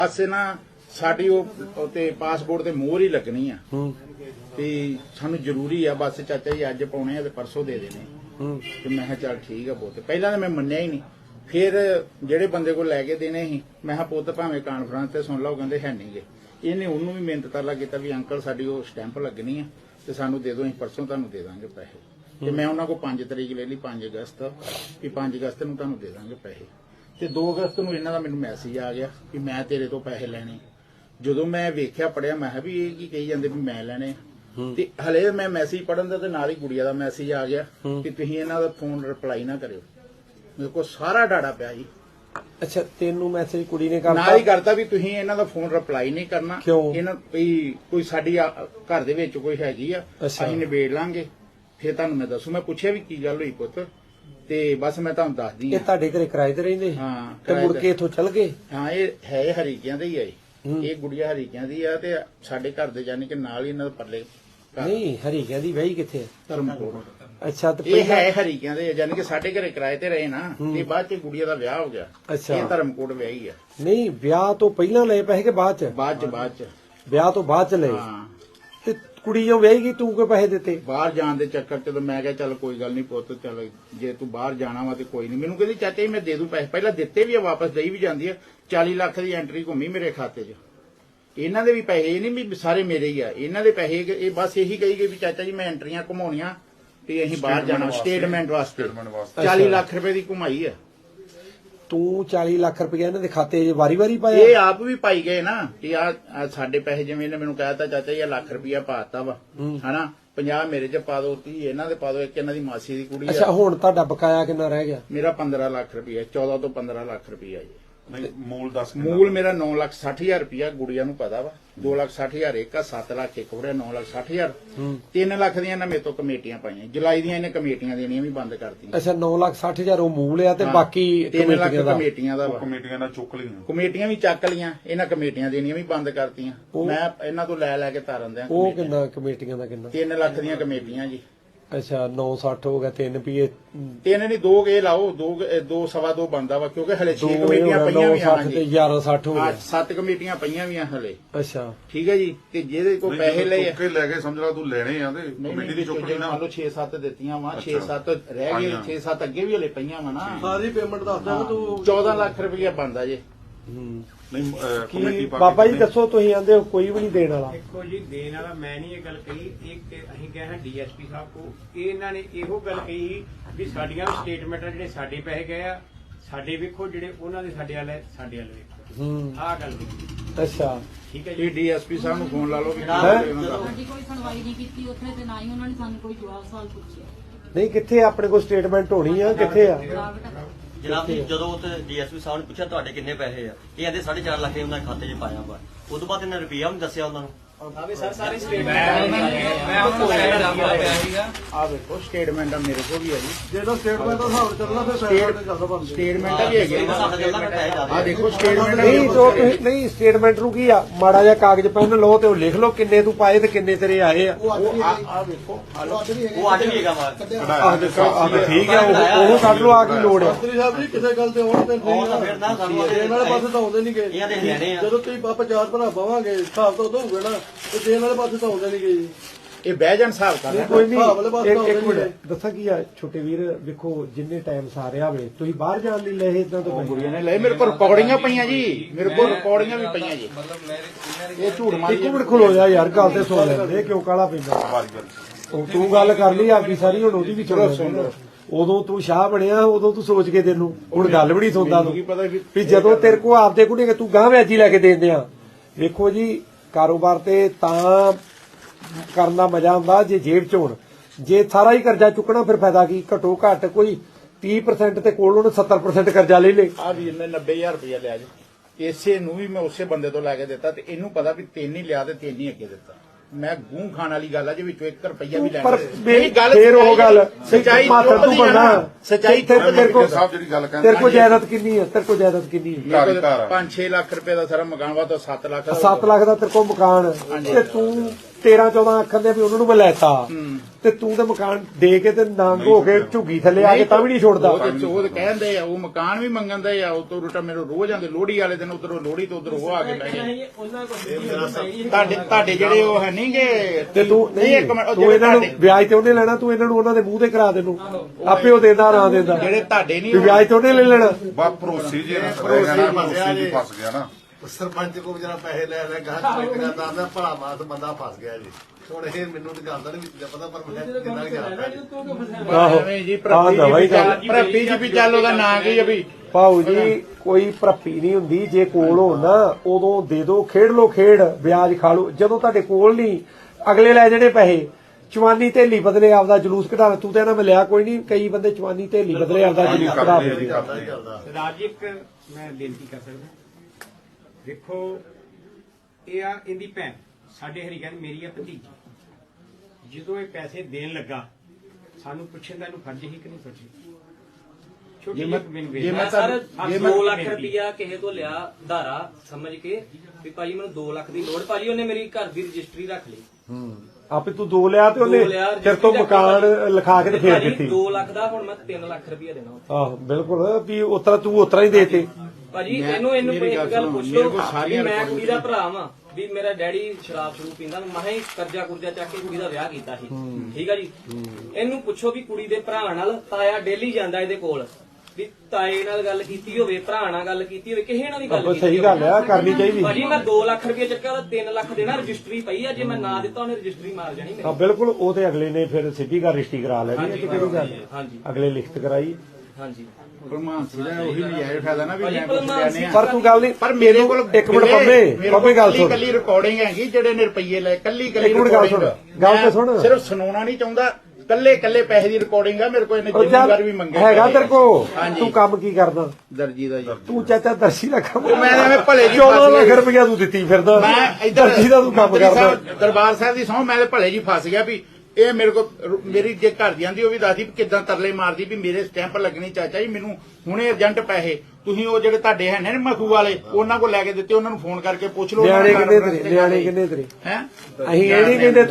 ਪਾਸੇ ਨਾ ਸਾਡੀ ਉਹ ਤੇ ਪਾਸਪੋਰਟ ਤੇ ਮੋਹਰ ਹੀ ਲੱਗਣੀ ਆ ਤੇ ਸਾਨੂੰ ਜ਼ਰੂਰੀ ਆ ਬਸ ਚਾਚਾ ਜੀ ਅੱਜ ਪਾਉਣੇ ਆ ਤੇ ਪਰਸੋਂ ਦੇ ਦੇਣੇ ਤੇ ਮੈਂ ਕਿਹਾ ਚੱਲ ਠੀਕ ਆ ਪੁੱਤ। ਪਹਿਲਾਂ ਤਾਂ ਮੈਂ ਮੰਨਿਆ ਹੀ ਨਹੀਂ, ਫਿਰ ਜਿਹੜੇ ਬੰਦੇ ਕੋਲ ਲੈ ਕੇ ਦੇਣੇ ਸੀ ਮੈਂ ਕਿਹਾ ਪੁੱਤ ਭਾਵੇਂ ਕਾਨਫਰੰਸ ਤੇ ਸੁਣ ਲਓ, ਕਹਿੰਦੇ ਹੈ ਨਹੀਂਗੇ। ਇਹਨੇ ਉਹਨੂੰ ਵੀ ਮਿਹਨਤ ਤਰਲਾ ਕੀਤਾ ਵੀ ਅੰਕਲ ਸਾਡੀ ਉਹ ਸਟੈਂਪ ਲੱਗਣੀ ਆ ਤੇ ਸਾਨੂੰ ਦੇ ਦਿਓ, ਅਸੀਂ ਪਰਸੋਂ ਤੁਹਾਨੂੰ ਦੇ ਦਾਂਗੇ ਪੈਸੇ। ਤੇ ਮੈਂ ਉਹਨਾਂ ਕੋਲ 5 ਤਰੀਕ ਲੈ ਲਈ, 5 ਅਗਸਤ ਵੀ 5 ਅਗਸਤ ਨੂੰ ਤੁਹਾਨੂੰ ਦੇ ਦਾਂਗੇ ਪੈਸੇ। ਤੇ 2 ਅਗਸਤ ਨੂੰ ਇਹਨਾਂ ਦਾ ਮੈਨੂੰ ਮੈਸੇਜ ਆ ਗਿਆ ਕਿ ਮੈਂ ਤੇਰੇ ਤੋਂ ਪੈਸੇ ਲੈਣੇ। ਜਦੋਂ ਮੈਂ ਵੇਖਿਆ ਪੜਿਆ ਮੈਂ ਕਿਹਾ ਵੀ ਇਹ ਕੀ ਕਹੀ ਜਾਂਦੇ ਵੀ ਮੈਂ ਲੈਣੇ, ਤੇ ਹਲੇ ਮੈਂ ਮੈਸੇਜ ਪੜਨ ਦਾ ਤੇ ਨਾਲ ਹੀ ਗੁੜੀਆ ਦਾ ਮੈਸੇਜ ਆ ਗਿਆ ਕਿ ਤੁਸੀਂ ਇਹਨਾਂ ਦਾ ਫੋਨ ਰਿਪਲਾਈ ਨਾ ਕਰਿਓ। ਮੇਰੇ ਕੋਲ ਸਾਰਾ ਡਾਟਾ ਪਿਆ ਜੀ। ਅੱਛਾ, ਤੈਨੂੰ ਮੈਸੇਜ ਕੁੜੀ ਨੇ ਕਰਤਾ? ਨਾਲ ਹੀ ਕਰਤਾ ਵੀ ਤੁਸੀਂ ਇਹਨਾਂ ਦਾ ਫੋਨ ਰਿਪਲਾਈ ਨਹੀਂ ਕਰਨਾ। ਕਿਉਂ? ਇਹਨਾਂ ਕੋਈ ਸਾਡੀ ਘਰ ਦੇ ਵਿੱਚ ਕੋਈ ਹੈਗੀ ਆ, ਅਸੀਂ ਨਿਬੇੜ ਲਾਂਗੇ, ਫਿਰ ਤੁਹਾਨੂੰ ਮੈਂ ਦੱਸੂ। ਮੈਂ ਪੁੱਛਿਆ ਵੀ ਕੀ ਗੱਲ ਹੋਈ ਪੁੱਤ, ਤੇ ਬਸ ਮੈਂ ਤੁਹਾਨੂੰ ਦੱਸਦੀ ਇਹ ਤੁਹਾਡੇ ਘਰੇ ਕਿਰਾਏ ਤੇ ਰਹਿੰਦੇ? ਹਾਂ, ਤੇ ਮੁੜ ਕੇ ਇੱਥੋਂ ਚੱਲ ਗਏ? ਹਾਂ, ਇਹ ਹੈ ਹਰੀਕਿਆਂ ਦੇ ਹੀ ਆ। ਇਹ ਗੁੜੀਆ ਹਰੀਕਿਆਂ ਦੀ ਆ ਤੇ ਸਾਡੇ ਘਰ ਦੇ ਜਾਨੀ ਕਿ ਨਾਲ ਹੀ ਇਹਨਾਂ ਦਾ ਪਰਲੇ ਨਹੀਂ, ਹਰੀਕਿਆਂ ਦੀ ਵਹੀ ਕਿੱਥੇ ਹੈ? ਧਰਮਕੋਟ। ਅੱਛਾ, ਤੇ ਇਹ ਹੈ ਹਰੀਕਿਆਂ ਦੇ, ਜਾਨੀ ਕਿ ਸਾਡੇ ਘਰੇ ਕਿਰਾਏ ਤੇ ਰਹੇ ਨਾ, ਤੇ ਬਾਅਦ ਚ ਗੁੜੀਆ ਦਾ ਵਿਆਹ ਹੋ ਗਿਆ। ਅੱਛਾ, ਇਹ ਧਰਮਕੋਟ ਵਿਆਹੀ ਆ। ਨਹੀਂ, ਵਿਆਹ ਤੋਂ ਪਹਿਲਾਂ ਲਏ ਪੈਸੇ ਕਿ ਬਾਅਦ ਚ? ਬਾਅਦ ਚ ਵਿਆਹ ਤੋਂ ਬਾਅਦ ਚ ਲਏ। ਹਾਂ, ਤੇ ਕੁੜੀ ਜੋ ਵਿਆਹੀ ਗਈ ਤੂੰ ਕਿਉਂ ਪੈਸੇ ਦਿੱਤੇ? ਬਾਹਰ ਜਾਣ ਦੇ ਚੱਕਰ ਚ ਤਾਂ ਮੈਂ ਕਿਹਾ ਚੱਲ ਕੋਈ ਗੱਲ ਨਹੀਂ ਪੁੱਤ, ਚੱਲ ਜੇ ਤੂੰ ਬਾਹਰ ਜਾਣਾ ਵਾ ਤੇ ਕੋਈ ਨਹੀਂ। ਮੈਨੂੰ ਕਹਿੰਦੀ ਚਾਚਾ ਜੀ ਮੈਂ ਦੇ ਦੂੰ ਪੈਸੇ, ਪਹਿਲਾਂ ਦਿੱਤੇ ਵੀ ਆ, ਵਾਪਸ ਦੇਈ ਵੀ ਜਾਂਦੀ ਆ। 40 ਲੱਖ ਦੀ ਐਂਟਰੀ ਘੁੰਮੀ ਮੇਰੇ ਖਾਤੇ 'ਚ। ਇਹਨਾਂ ਦੇ ਵੀ ਪੈਸੇ, ਇਹ ਨਹੀਂ ਵੀ ਸਾਰੇ ਮੇਰੇ ਹੀ ਆ, ਇਹਨਾਂ ਦੇ ਪੈਸੇ ਇਹ ਬਸ ਇਹੀ ਕਹੀ ਗਈ ਵੀ ਚਾਚਾ ਜੀ ਮੈਂ ਐਂਟਰੀਆਂ ਘੁਮਾਉਣੀਆਂ ਤੇ ਅਸੀਂ ਬਾਹਰ ਜਾਣਾ ਸਟੇਟਮੈਂਟ ਵਾਸਤੇ। 40 ਲੱਖ ਰੁਪਏ ਦੀ ਘੁਮਾਈ ਆ। ਤੂੰ 40 ਲੱਖ ਰੁਪਏ ਇਹਨਾਂ ਦੇ ਖਾਤੇ 'ਚ ਵਾਰੀ-ਵਾਰੀ ਪਾਇਆ? ਇਹ ਆਪ ਵੀ ਪਾਈ ਗਏ ਨਾ ਕਿ ਆ ਸਾਡੇ ਪੈਸੇ, ਜਿਵੇਂ ਇਹਨੇ ਮੈਨੂੰ ਕਹਿਤਾ ਚਾਚਾ ਜੀ ਇਹ ਲੱਖ ਰੁਪਇਆ ਪਾਤਾ ਵਾ, ਹਨਾ 50 ਮੇਰੇ 'ਚ ਪਾ ਦੋ, 30 ਇਹਨਾਂ ਦੇ ਪਾ ਦੋ, ਇੱਕ ਇਹਨਾਂ ਦੀ ਮਾਸੀ ਦੀ ਕੁੜੀ ਆ। ਅੱਛਾ, ਹੁਣ ਤੁਹਾਡਾ ਬਕਾਇਆ ਕਿੰਨਾ ਰਹਿ ਗਿਆ? ਮੇਰਾ 15 ਲੱਖ ਰੁਪਇਆ, 14 ਤੋਂ 15 ਲੱਖ ਰੁਪਇਆ ਜੀ। ਮੂਲ ਦੱਸ। ਮੂਲ ਮੇਰਾ 9,60,000 ਰੁਪਇਆ, ਗੁੜੀਆ ਨੂੰ ਪਤਾ ਵਾ। 2,60,000 ਇੱਕ ਆ, 7 ਲੱਖ ਇੱਕ ਹੋਇਆ, 9,60,000। 3 ਲੱਖ ਦੀਆਂ ਇਹਨਾਂ ਮੇਰੇ ਤੋਂ ਕਮੇਟੀਆਂ ਪਾਈਆਂ। ਜੁਲਾਈ ਦੀਆਂ ਇਹਨੇ ਕਮੇਟੀਆਂ ਦੇਣੀਆਂ ਵੀ ਬੰਦ ਕਰਤੀਆਂ। ਅੱਛਾ, 9,60,000 ਉਹ ਮੂਲ ਆ ਤੇ ਬਾਕੀ 3 ਲੱਖ ਕਮੇਟੀਆਂ ਦਾ ਵਾ। ਕਮੇਟੀਆਂ ਨਾਲ ਚੁੱਕ ਲਈਆਂ, ਕਮੇਟੀਆਂ ਵੀ ਚੱਕ ਲੀਆਂ, ਇਹਨਾਂ ਕਮੇਟੀਆਂ ਦੇਣੀਆਂ ਵੀ ਬੰਦ ਕਰਤੀਆਂ। ਮੈਂ ਇਹਨਾਂ ਤੋਂ ਲੈ ਕੇ ਤਾਰਨ ਦਿਆਂ। ਉਹ ਕਿੰਨਾ ਕਮੇਟੀਆਂ ਦਾ ਕਿੰਨਾ? 3 ਲੱਖ ਦੀਆਂ ਕਮੇਟੀਆਂ ਜੀ। ਅੱਛਾ, 960 ਹੋ ਗਿਆ, 3 ਰੁਪਏ। 3 ਨਹੀਂ, 2 ਇਹ ਲਾਓ, 2 ਸਵਾ 2 ਬੰਦਾ ਵਾ, ਕਿਉਂਕਿ ਹਲੇ 6 ਕਮੇਟੀਆਂ ਪਈਆਂ ਵੀ ਆ। 960 ਤੇ 1160 ਹੋ ਗਿਆ। 7 ਕਮੇਟੀਆਂ ਪਈਆਂ ਵੀ ਆ ਹਲੇ। ਅੱਛਾ, ਠੀਕ ਹੈ ਜੀ। ਤੇ ਜਿਹਦੇ ਕੋਲ ਪੈਸੇ ਲਏ ਆ, ਚੁੱਕ ਕੇ ਲੈ ਕੇ ਸਮਝ ਲਾ ਤੂੰ ਲੈਣੇ ਆ ਤੇ ਕਮੇਟੀ ਦੀ ਚੁੱਕ ਲਈ ਨਾ। ਮੰਨ ਲਓ 6-7 ਦਿੱਤੀਆਂ ਵਾ, 6-7 ਰਹਿ ਗਏ, 6-7 ਅੱਗੇ ਵੀ ਹਲੇ ਪਈਆਂ ਵਾ ਨਾ। ਸਾਰੀ ਪੇਮੈਂਟ ਦੱਸ ਦੇ ਤੂੰ। 14 ਲੱਖ ਰੁਪਇਆ ਬਣਦਾ ਜੇ। ਨਹੀਂ ਕਮੇਟੀ ਪਾ ਕੇ ਬਾਬਾ ਜੀ ਦੱਸੋ, ਤੁਸੀਂ ਆਂਦੇ ਹੋ ਕੋਈ ਵੀ ਨਹੀਂ ਦੇਣ ਵਾਲਾ? ਦੇਖੋ ਜੀ, ਦੇਣ ਵਾਲਾ ਮੈਂ ਨਹੀਂ ਇਹ ਗੱਲ ਕਹੀ। ਇੱਕ ਅਸੀਂ ਗਏ ਹਾਂ ਡੀਐਸਪੀ ਸਾਹਿਬ ਕੋ, ਇਹਨਾਂ ਨੇ ਇਹੋ ਗੱਲ ਕਹੀ ਵੀ ਸਾਡੀਆਂ ਵੀ ਸਟੇਟਮੈਂਟਾਂ ਜਿਹੜੇ ਸਾਡੇ ਪੈਸੇ ਗਏ ਆ ਸਾਡੇ ਵੇਖੋ, ਜਿਹੜੇ ਉਹਨਾਂ ਦੇ ਸਾਡੇ ਵਾਲੇ ਵੇਖੋ। ਆਹ ਗੱਲ ਕੀਤੀ। ਅੱਛਾ, ਠੀਕ ਹੈ ਜੀ। ਇਹ ਡੀਐਸਪੀ ਸਾਹਿਬ ਨੂੰ ਫੋਨ ਲਾ ਲਓ ਵੀ ਸਾਡੀ ਕੋਈ ਸੁਣਵਾਈ ਨਹੀਂ ਕੀਤੀ ਉੱਥੇ, ਤੇ ਨਾ ਹੀ ਉਹਨਾਂ ਨੇ ਸਾਨੂੰ ਕੋਈ ਜਵਾਬ ਸਵਾਲ ਪੁੱਛਿਆ। ਨਹੀਂ, ਕਿੱਥੇ ਆਪਣੇ ਕੋਲ ਸਟੇਟਮੈਂਟ ਹੋਣੀ ਆ? ਕਿੱਥੇ ਆ? ਜਨਾਬ ਜੀ, ਜਦੋਂ ਉੱਥੇ ਡੀਐਸਪੀ ਸਾਹਿਬ ਨੇ ਪੁੱਛਿਆ ਤੁਹਾਡੇ ਕਿੰਨੇ ਪੈਸੇ ਆ, ਇਹ ਆਂਦੇ 4.5 ਲੱਖ ਉਹਨਾਂ ਦੇ ਖਾਤੇ 'ਚ ਪਾਇਆ ਵਾ। ਉਸ ਤੋਂ ਬਾਅਦ ਇਹਨਾਂ ਰੁਪਈਆ ਵੀ ਨਹੀਂ ਦੱਸਿਆ ਉਹਨਾਂ ਨੂੰ। ਆ ਵੇਖੋ ਸਟੇਟਮੈਂਟ ਆ ਮੇਰੇ ਕੋਲ ਵੀ ਆ ਜੀ। ਜਿਹੜਾ ਸਟੇਟਮੈਂਟ ਦਾ ਹਿਸਾਬ ਚੱਲਣਾ ਫਿਰ ਪੈਸੇ ਤੇ ਚੱਲਦਾ ਬੰਦੇ। ਸਟੇਟਮੈਂਟ ਵੀ ਹੈਗੇ ਆ, ਦੇਖੋ ਸਟੇਟਮੈਂਟ ਨਹੀਂ, ਜੋ ਤੁਸੀਂ ਨਹੀਂ ਸਟੇਟਮੈਂਟ ਨੂੰ ਕੀ ਆ, ਮਾੜਾ ਜਿਹਾ ਕਾਗਜ਼ ਪੈਨ ਲਓ ਤੇ ਉਹ ਲਿਖ ਲਓ ਕਿੰਨੇ ਤੂੰ ਪਾਏ ਤੇ ਕਿੰਨੇ ਤੇਰੇ ਆਏ ਆ। ਆ ਵੇਖੋ ਉਹ ਅੱਜ ਵੀ ਹੈਗਾ ਵਾ। ਠੀਕ ਆ, ਉਹ ਕੱਢ ਲਓ, ਆ ਕੀ ਲੋੜ ਆ? ਮੰਤਰੀ ਸਾਹਿਬ ਜੀ ਕਿਸੇ ਗੱਲ ਤੇ ਹੁਣ ਤੇ ਨਹੀਂ ਉਹ ਤਾਂ ਫਿਰ ਨਾ ਸਾਨੂੰ ਦੇਣ ਵਾਲੇ ਪਾਸੇ ਤਾਂ ਆਉਂਦੇ ਨਹੀਂ ਗਏ। ਇਹਨਾਂ ਦੇ ਲੈਣੇ ਆ। ਜਦੋਂ ਤੁਸੀਂ ਆਪਾਂ 4 ਭਰਾ ਬਵਾਂਗੇ ਹਿਸਾਬ ਤਾਂ ਉਦੋਂ ਹੋਊਗਾ ਨਾ, ਤੇ ਦੇਣ ਵਾਲੇ ਪਾਸੇ ਤਾਂ ਆਉਂਦੇ ਨਹੀਂ ਗਏ ਜੀ। ਇਹ ਬਹਿ ਜਾਣ ਹਿਸਾਬ ਕਰ ਲੈ। ਕੋਈ ਨਹੀਂ, ਹਿਸਾਬ ਵਾਲੇ ਪਾਸੇ ਤਾਂ ਇੱਕ ਆਉਂਦੇ ਨਹੀਂ ਮਿੰਟ ਦੱਸਾਂ ਕੀ ਆ ਛੋਟੇ ਵੀਰ, ਵੇਖੋ ਜਿੰਨੇ ਟਾਈਮ ਸਾਰਿਆ ਵੇ ਤੁਸੀਂ ਬਾਹਰ ਜਾਣ ਲਈ ਲਏ ਇਦਾਂ ਤੋਂ ਗੁੜੀਆਂ ਨੇ ਲਏ, ਮੇਰੇ ਕੋਲ ਰਿਕਾਰਡਿੰਗਾਂ ਪਈਆਂ ਜੀ, ਮੇਰੇ ਕੋਲ ਰਿਕਾਰਡਿੰਗਾਂ ਵੀ ਪਈਆਂ ਜੀ। ਇਹ ਝੂਠ ਮਾਰੀ। ਇੱਕ ਮਿੰਟ ਖਲੋ ਜਾ ਯਾਰ, ਗੱਲ ਤੇ ਸੁਣ ਲੈਂਦੇ, ਕਿਉਂ ਕਾਲਾ ਪੈਂਦਾ? ਤੂੰ ਗੱਲ ਕਰ ਲਈ ਆਪਦੀ ਸਾਰੀ, ਹੁਣ ਉਹਦੀ ਵੀ ਸੁਣ। ਉਦੋਂ ਤੂੰ ਸ਼ਾਹ ਬਣਿਆ, ਉਦੋਂ ਤੂੰ ਸੋਚ ਕੇ ਤੈਨੂੰ ਹੁਣ ਗੱਲ ਵੀ ਨਹੀਂ ਸੁਣਦਾ ਤੂੰ ਵੀ ਜਦੋਂ ਤੇਰੇ ਕੋਲ ਆਪਦੇ ਕੁੜੀ ਤੂੰ ਗਾਂ ਵਿਆਜੀ ਲੈ ਕੇ ਦੇਂਦੇ ਆ। ਵੇਖੋ ਜੀ, ਕਾਰੋਬਾਰ ਤੇ ਤਾਂ ਕਰਨ ਦਾ ਮਜ਼ਾ ਆਉਂਦਾ ਜੇ ਜੇਬ ਚ ਹੋਣ। ਜੇ ਸਾਰਾ ਹੀ ਕਰਜ਼ਾ ਚੁੱਕਣਾ ਫਿਰ ਫਾਇਦਾ ਕੀ? ਘੱਟੋ ਘੱਟ ਕੋਈ 30% ਤੇ ਕੋਲ ਉਹਨੇ 70% ਕਰਜ਼ਾ ਲੈ ਲੇ। ਆ ਵੀਰ ਨੇ 90,000 ਰੁਪਇਆ ਲਿਆ ਜੀ। ਇਸੇ ਨੂੰ ਵੀ ਮੈਂ ਉਸੇ ਬੰਦੇ ਤੋਂ ਲੈ ਕੇ ਦਿੱਤਾ, ਤੇ ਇਹਨੂੰ ਪਤਾ ਵੀ 3 ਹੀ ਲਿਆ ਤੇ 3 ਹੀ ਅੱਗੇ ਦਿੱਤਾ। ਮੈਂ ਗੂੰ ਖਾਣ ਵਾਲੀ ਗੱਲ ਆ, ਜੇ ਵਿੱਚੋਂ 1 ਰੁਪਇਆ ਵੀ ਲੈਣਾ। ਪਰ ਫੇਰ ਉਹ ਗੱਲ ਸੱਚਾਈ ਮਾਤਰ ਤੂੰ ਬੰਦਾ ਸੱਚਾਈ ਤੇਰੇ ਕੋਲ ਸਾਹਿਬ ਜਿਹੜੀ ਗੱਲ ਕਹਿੰਦੇ ਤੇਰੇ ਕੋਲ ਜਾਇਦਾਦ ਕਿੰਨੀ ਹੈ? ਤੇਰੇ ਕੋਲ ਜਾਇਦਾਦ ਕਿੰਨੀ ਹੈ? 5-6 ਲੱਖ ਰੁਪਏ ਦਾ ਸਾਰਾ ਮਕਾਨ ਵਾ, ਤਾਂ 7 ਲੱਖ ਦਾ 7 ਲੱਖ ਦਾ ਤੇਰੇ ਕੋਲ ਮਕਾਨ, ਤੇ ਤੂੰ 13-14 ਅੱਖਰ ਦੇ ਵੀ ਉਹਨਾਂ ਨੂੰ ਮੈਂ ਲੈਤਾ ਤੇ ਤੂੰ ਤੇ ਮਕਾਨ ਦੇ ਕੇ ਤੇ ਨੰਗ ਹੋ ਕੇ ਝੁੱਗੀ ਥੱਲੇ ਆ ਕੇ ਤਾਂ ਵੀ ਨਹੀਂ ਛੋੜਦਾ। ਉਹ ਕਹਿੰਦੇ ਆ, ਉਹ ਮਕਾਨ ਵੀ ਮੰਗਣਦੇ ਆ, ਉਹ ਤੋਂ ਰੁਟਾ ਮੈਨੂੰ ਰੋਜ਼ ਆਂਦੇ ਲੋਹੜੀ ਵਾਲੇ ਦਿਨ ਉਧਰੋਂ ਲੋਹੜੀ ਤੋਂ ਉਧਰ ਉਹ ਆ ਕੇ ਬਹਿ ਗਏ। ਤੁਹਾਡੇ ਜਿਹੜੇ ਉਹ ਹੈ ਨਹੀਂਗੇ ਤੇ ਤੂੰ ਨਹੀਂ ਇੱਕ ਮਿੰਟ, ਉਹ ਤੂੰ ਜਿਹੜੇ ਇਹਨਾਂ ਨੂੰ ਤੁਹਾਡੇ ਵਿਆਜ ਤੇ ਉਹਨੇ ਲੈਣਾ, ਤੂੰ ਇਹਨਾਂ ਨੂੰ ਉਹਨਾਂ ਦੇ ਮੂੰਹ ਤੇ ਕਰਾ ਦੇ ਨੂੰ ਆਪੇ ਉਹ ਦੇਦਾ ਨਾ ਦੇਦਾ ਜਿਹੜੇ ਤੁਹਾਡੇ ਨਹੀਂ ਵੀ ਵਿਆਜ ਤੇ ਉਹਨੇ ਲੈ ਲੈਣਾ। ਬਾ ਭਰੋਸੀ ਜੀ ਨਾ ਭਰੋਸੀ ਜੀ ਫਸ ਗਿਆ ਨਾ। ਸਰਪੰਚ ਕੋ ਵਿਚਾਰਾ ਪੈਸੇ ਲੈ ਲੈ ਗਾਹ ਕਰਦਾ ਆਂਦਾ ਭਲਾ ਮਾਸ ਬੰਦਾ ਫਸ ਗਿਆ ਜੀ। ਹੁਣ ਇਹ ਮੈਨੂੰ ਤੇ ਗੱਲ ਦਾ ਨਹੀਂ ਪਤਾ, ਪਰ ਮੈਂ ਕਿੰਨਾ ਜਾਣਦਾ ਆਹੋ ਐਵੇਂ ਜੀ ਆਹ ਦਵਾਈ ਭਰਪੀ ਜੀ ਵੀ ਚੱਲ ਉਹਦਾ ਨਾਂ ਕੀ ਆ ਵੀ ਭਾਊ ਜੀ ਕੋਈ ਭਰਪੀ ਨਹੀਂ ਹੁੰਦੀ। ਜੇ ਕੋਲ ਹੋ ਨਾ ਉਦੋਂ ਦੇ ਦੋ, ਖੇਡ ਲੋ ਖੇਡ, ਵਿਆਜ ਖਾ ਲੋ। ਜਦੋਂ ਤੁਹਾਡੇ ਕੋਲ ਨਹੀਂ, ਅਗਲੇ ਲੈ ਜਿਹੜੇ ਪੈਸੇ ਚਵਾਨੀ ਢੇਲੀ ਬਦਲੇ ਆਪਦਾ ਜਲੂਸ ਕਢਾ। ਤੂੰ ਤੇ ਇਹਨਾਂ ਮੈਂ ਲਿਆ ਕੋਈ ਨਹੀਂ, ਕਈ ਬੰਦੇ ਚਵਾਨੀ ਢੇਲੀ ਬਦਲੇ ਆਪਦਾ ਜਲੂਸ ਕਢਾ ਦਿੰਦੇ। ਰਾਜ ਇੱਕ ਮੈਂ ਬੇਨਤੀ ਕਰ ਸਕਦਾ, ਵੇਖੋ ਇਹ ਆ ਇਹਦੀ ਭੈਣ ਸਾਡੇ ਹਰੀ ਕਹਿੰਦੇ ਮੇਰੀ ਆ ਭਤੀਜੀ, ਜਦੋਂ ਇਹ ਪੈਸੇ ਦੇਣ ਲੱਗਾ ਸਾਨੂੰ ਪੁੱਛਣ ਦਾ ਇਹਨੂੰ ਫਰਜ਼ ਹੀ ਕਿ ਨਹੀਂ ਫਰਜ਼? ਛੋਟੀ ਜੇ ਮੈਂ ਸਰ ਜੇ 2 ਲੱਖ ਰੁਪਇਆ ਕਿਸੇ ਤੋਂ ਲਿਆ ਧਾਰਾ ਸਮਝ ਕੇ ਵੀ ਭਾਜੀ ਮੈਨੂੰ 2 ਲੱਖ ਦੀ ਲੋੜ, ਭਾਜੀ ਉਹਨੇ ਮੇਰੀ ਘਰ ਦੀ ਰਜਿਸਟਰੀ ਰੱਖ ਲਈ। ਆਪੇ ਤੂੰ 2 ਲਿਆ ਤੇ ਉਹਨੇ ਤੇਰੇ ਤੋਂ ਮਕਾਨ ਲਿਖਾ ਕੇ ਤੇ ਫੇਰ ਦਿੱਤੀ। 2 ਲੱਖ ਦਾ ਹੁਣ ਮੈਂ 3 ਲੱਖ ਰੁਪਇਆ ਦੇਣਾ। ਆਹੋ ਬਿਲਕੁਲ ਵੀ ਉਤਰਾ ਤੂੰ ਉਤਰਾ ਹੀ ਦੇਤੇ। ਭਾਜੀ ਇਹਨੂੰ ਕੋਈ ਇੱਕ ਗੱਲ ਪੁੱਛ ਲਓ ਵੀ ਮੈਂ ਕੁੜੀ ਦਾ ਭਰਾ ਵਾਂ, ਵੀ ਮੇਰਾ ਡੈਡੀ ਸ਼ਰਾਬ ਸ਼ੁਰੂ ਪੀਂਦਾ, ਮੈਂ ਹੀ ਕਰਜ਼ਾ ਕੁਰਜ਼ਾ ਚੱਕ ਕੇ ਕੁੜੀ ਦਾ ਵਿਆਹ ਕੀਤਾ ਸੀ, ਠੀਕ ਆ ਜੀ। ਇਹਨੂੰ ਪੁੱਛੋ ਵੀ ਕੁੜੀ ਦੇ ਭਰਾ ਨਾਲ ਤਾਇਆ ਡੇਲੀ ਜਾਂਦਾ ਇਹਦੇ ਕੋਲ, ਵੀ ਤਾਏ ਨਾਲ ਗੱਲ ਕੀਤੀ ਹੋਵੇ, ਭਰਾ ਨਾਲ ਗੱਲ ਕੀਤੀ ਹੋਵੇ, ਕਿਸੇ ਨਾਲ ਵੀ ਗੱਲ ਕੀਤੀ ਸਹੀ ਗੱਲ ਆ, ਕਰਨੀ ਚਾਹੀਦੀ। ਭਾਜੀ ਮੈਂ 2 ਲੱਖ ਰੁਪਏ ਚੱਕਿਆ, ਉਹਦਾ 3 ਲੱਖ ਦੇਣਾ, ਰਜਿਸਟਰੀ ਪਈ ਆ, ਜੇ ਮੈਂ ਨਾ ਦਿੱਤਾ ਉਹਨੇ ਰਜਿਸਟਰੀ ਮਾਰ ਜਾਣੀ ਮੇਰੀ। ਹਾਂ ਬਿਲਕੁਲ, ਉਹ ਤੇ ਅਗਲੇ ਨੇ ਫਿਰ ਸਿੱਧੀ ਗੱਲ ਰਜਿਸਟਰੀ ਕਰਾ ਲੈਣੀ ਹੈ ਕਿ ਕਿਹੜੀ ਗੱਲ। ਹਾਂਜੀ ਅਗਲੇ ਲਿਖਤ ਕਰਾਈ। ਹਾਂਜੀ ਭਲਮਾਨ ਸੀ ਦਾ ਉਹੀ ਨਜਾਇਜ਼ ਫਾਇਦਾ ਨਾ ਵੀ ਮੈਂ ਕੁਝ ਲੈਣੇ ਆ। ਪਰ ਤੂੰ ਗੱਲ ਨਹੀਂ, ਪਰ ਮੇਰੇ ਕੋਲ ਇੱਕ ਮਿੰਟ ਪੰਮੇ ਗੱਲ ਸੁਣ। ਕੱਲੀ ਰਿਕਾਰਡਿੰਗ ਹੈਗੀ ਜਿਹੜੇ ਨੇ ਰੁਪਈਏ ਲੈ, ਕੱਲੀ ਇੱਕ ਮਿੰਟ ਗੱਲ ਸੁਣ, ਗੱਲ ਤੇ ਸੁਣ। ਸਿਰਫ ਸੁਣਾਉਣਾ ਨਹੀਂ ਚਾਹੁੰਦਾ, ਕੱਲੇ ਪੈਸੇ ਦੀ ਰਿਕਾਰਡਿੰਗ ਆ ਮੇਰੇ ਕੋਲ। ਇਹਨੇ ਜ਼ਿੰਮੇਵਾਰ ਵੀ ਮੰਗੇ ਹੈਗਾ ਤੇਰੇ ਕੋ। ਤੂੰ ਕੰਮ ਕੀ ਕਰਦਾ? ਦਰਜੀ ਦਾ ਜੀ। ਤੂੰ ਚਾਚਾ ਦਰਜੀ ਦਾ ਕੰਮ। ਮੈਂ ਐਵੇਂ ਭਲੇ ਜੀ 14 ਲੱਖ ਰੁਪਇਆ ਤੂੰ ਦਿੱਤੀ ਫਿਰਦਾ। ਮੈਂ ਇੱਧਰ ਦਰਜੀ ਦਾ ਤੂੰ ਕੰਮ ਕਰਦਾ। ਦਰਬਾਰ ਸਾਹਿਬ ਦੀ ਸਹੁੰ ਮੈਂ ਤੇ ਭਲੇ ਜੀ ਫਸ ਗਿਆ ਵੀ ਇਹ ਮੇਰੇ ਕੋਲ ਮੇਰੀ ਜੇ ਘਰ ਦੀ ਆਂਦੀ ਉਹ ਵੀ ਦੱਸਦੀ ਵੀ ਕਿੱਦਾਂ ਤਰਲੇ ਮਾਰਦੀ ਵੀ ਮੇਰੇ ਸਟੈਂਪ ਲੱਗਣੀ ਚਾਚਾ ਜੀ, ਮੈਨੂੰ ਹੁਣੇ ਏਜੰਟ ਪੈਸੇ ਤੁਸੀਂ ਉਹ ਜਿਹੜੇ ਤੁਹਾਡੇ ਹੈ ਨੇ ਮਖੂ ਵਾਲੇ ਉਹਨਾਂ ਕੋਲ ਲੈ ਕੇ ਦਿੱਤੇ, ਉਹਨਾਂ ਨੂੰ ਫੋਨ ਕਰਕੇ ਪੁੱਛ ਲਓ। ਨਿਆਣੇ ਕਿੰਨੇ ਤੇਰੇ? ਨਿਆਣੇ ਕਿੰਨੇ ਤੇਰੇ? ਹੈ ਅਸੀਂ ਇਹ ਨਹੀਂ ਕਹਿੰਦੇ